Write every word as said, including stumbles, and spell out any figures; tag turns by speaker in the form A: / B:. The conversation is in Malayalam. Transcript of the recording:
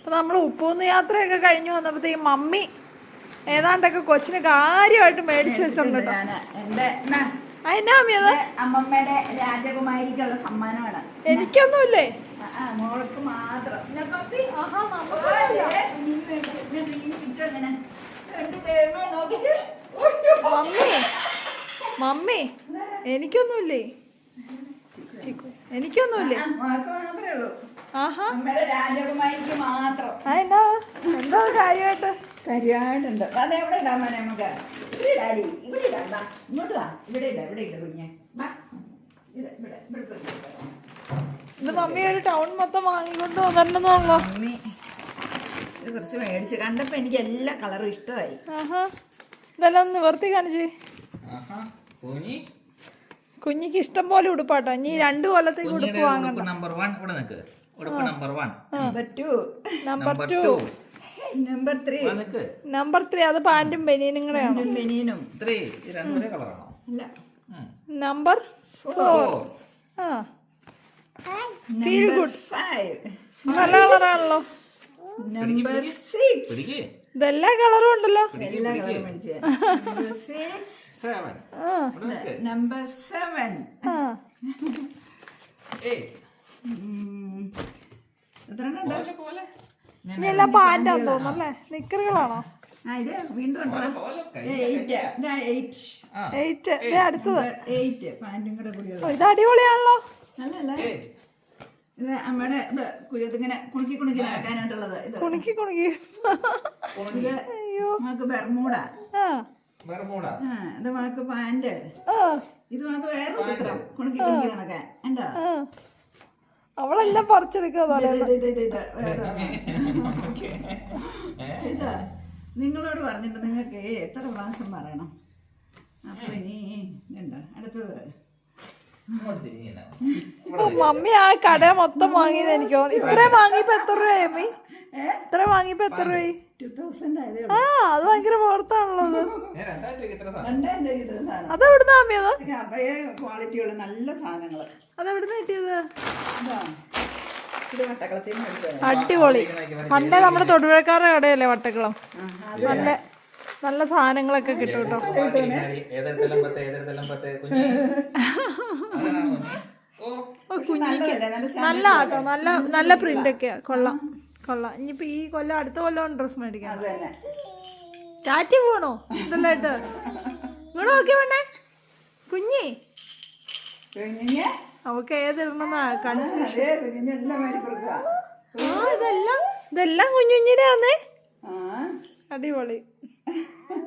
A: അപ്പോൾ നമ്മൾ ഉപ്പൂന്ന് യാത്രയൊക്കെ കഴിഞ്ഞു വന്നപ്പോഴത്തേക്കും മമ്മി ഏതാണ്ടൊക്കെ കൊച്ചിന് കാര്യമായിട്ട് മേടിച്ചു വെച്ചിട്ടുണ്ട് കേട്ടോ. അതിനാ മമ്മി അത്
B: അമ്മമ്മയുടെ രാജകുമാരിക്കുള്ള സമ്മാനമാണ്.
A: എനിക്കൊന്നുമില്ലേ?
B: മോൾക്ക് മാത്രം.
A: മമ്മി മമ്മി എനിക്കൊന്നുമില്ലേ? എനിക്കൊന്നുമില്ലേ?
B: മാത്രമേ ഉള്ളൂ.
A: ആഹാ
B: രാജകുമാരിക്ക് മാത്രം.
A: അതെന്നാ എന്താ കാര്യമായിട്ട്?
B: കാര്യമായിട്ടുണ്ട്. അത് എവിടെ ഇടാൻ മോനെ നമുക്ക്? ഇവിടെ ഇടാടി. ഇവിടെ ഇടാം. വാ ഇങ്ങോട്ട് വാ. ഇവിടെ ഇടാം. ഇവിടെ ഇല്ല കുഞ്ഞെ. വാ ഇത് ഇവിടെ ഇവിടെ
A: ഇത് മമ്മി ഒരു ടൗൺ മൊത്തം വാങ്ങിക്കൊണ്ട് വന്നിട്ടുണ്ടെന്നോ?
B: മമ്മി ഇത് കുറച്ച് മേടിച്ച് കണ്ടപ്പോൾ എനിക്ക് എല്ലാ കളറും ഇഷ്ടമായി.
A: ആഹാ ഇതെല്ലാം നിവർത്തി കാണിച്ചേ. കുഞ്ഞിക്ക് ഇഷ്ടം പോലെ ഉടുപ്പാട്ടോ. ഇനി രണ്ടു കൊല്ലത്തേക്ക് ഉടുപ്പ് വാങ്ങണ്ട.
C: നമ്പർ വൺ ഇവിടെ നിൽക്ക്. ഉടുപ്പ് number one.
B: Number two.
A: Number two.
B: Number three.
A: Number three അത് പാന്റും ബനിയനും കൂടെയാണോ?
B: ബനിയനും
C: ത്രീ രണ്ടു കളറാണോ?
B: അല്ല
A: നമ്പർ ഫോർ. ആ ഫീൽ ഗുഡ്.
B: ഫൈവ്.
A: നല്ല കളറാണല്ലോ.
B: Number six.
A: ഇതെല്ലാ കളറും ഉണ്ടല്ലോ.
B: എല്ലാ കളറും മേടിച്ചേ. Number six.
C: Seven.
B: Number seven. എത്ര
A: ഇനി എല്ലാം പാന്റാന്ന് തോന്നുന്നല്ലേ? നിക്കറുകളാണോ?
B: ഇത് വീണ്ടും
A: എയ്റ്റ്. അടുത്തത്
B: എയ്റ്റ്. പാന്റും കൂടെ കൂടിയുള്ള
A: ഇത് അടിപൊളിയാണല്ലോ.
B: നല്ലല്ലേ? ഇത് അമ്മയുടെ ഇത് ഇങ്ങനെ കുണുക്കി കുണുക്കി നടക്കാനായിട്ടുള്ളത്. ഇത്
A: കുണുക്കി കുണുക്കി
B: ഇത് നമുക്ക് ബെർമൂഡ.
A: ആ
B: ഇത് നമുക്ക് പാന്റ്. ഇത് നമുക്ക് വേറെ ചിത്രം കുണുക്കി കുണുക്കി നടക്കാൻ. എന്താ
A: അവളെല്ലാം പറിച്ചെടുക്കുക.
B: ഇതാ നിങ്ങളോട് പറഞ്ഞിട്ട് നിങ്ങൾക്ക് എത്ര പ്രാവശ്യം പറയണം. അപ്പൊ ഇനി ഇതുണ്ടോ അടുത്തത്.
A: മമ്മി ആ കട മൊത്തം വാങ്ങിയത് എനിക്ക് ഇത്രയും വാങ്ങിയപ്പോ എത്ര രൂപയായി മമ്മി? ഇത്ര വാങ്ങിയപ്പോ എത്ര രൂപയായി?
B: ടു തൗസൻഡ് ആയതേ.
A: ആ അത് ഭയങ്കര പുറത്താണല്ലോ.
B: രണ്ടായിരം രൂപ ഇത്ര സാധനം.
A: അതെവിടുന്നാ മമ്മി? അത്
B: അതേ ക്വാളിറ്റിയുള്ള നല്ല സാധനങ്ങള്.
A: അതെവിടുന്ന് കിട്ടിയത്?
B: ഇത് വട്ടക്കളത്തിൽ നിന്ന് മേടിച്ചത്.
A: അടിപൊളി. പണ്ടേ നമ്മുടെ തൊടുപുഴക്കാരുടെ കടയല്ലേ വട്ടക്കുളം. നല്ല നല്ല സാധനങ്ങളൊക്കെ കിട്ടും കേട്ടോ. കുഞ്ഞിക്ക് നല്ല ആട്ടോ. നല്ല നല്ല പ്രിന്റ് ഒക്കെയാ. കൊള്ളാം കൊള്ളാം. ഇനിയിപ്പോ ഈ കൊല്ലം അടുത്ത കൊല്ലം ഡ്രസ് മേടിക്കാം. ടാറ്റി പോണോ ഇതെല്ലായിട്ട്? ഇങ്ങോട്ട് നോക്കിയ വേണ്ടേ കുഞ്ഞി? അവൾക്ക് ഏതിടണമെന്നാ കൺഫ്യൂഷൻ. ആ ഇതെല്ലാം ഇതെല്ലാം കുഞ്ഞു കുഞ്ഞിടെ ആന്നേ. അടിപൊളി.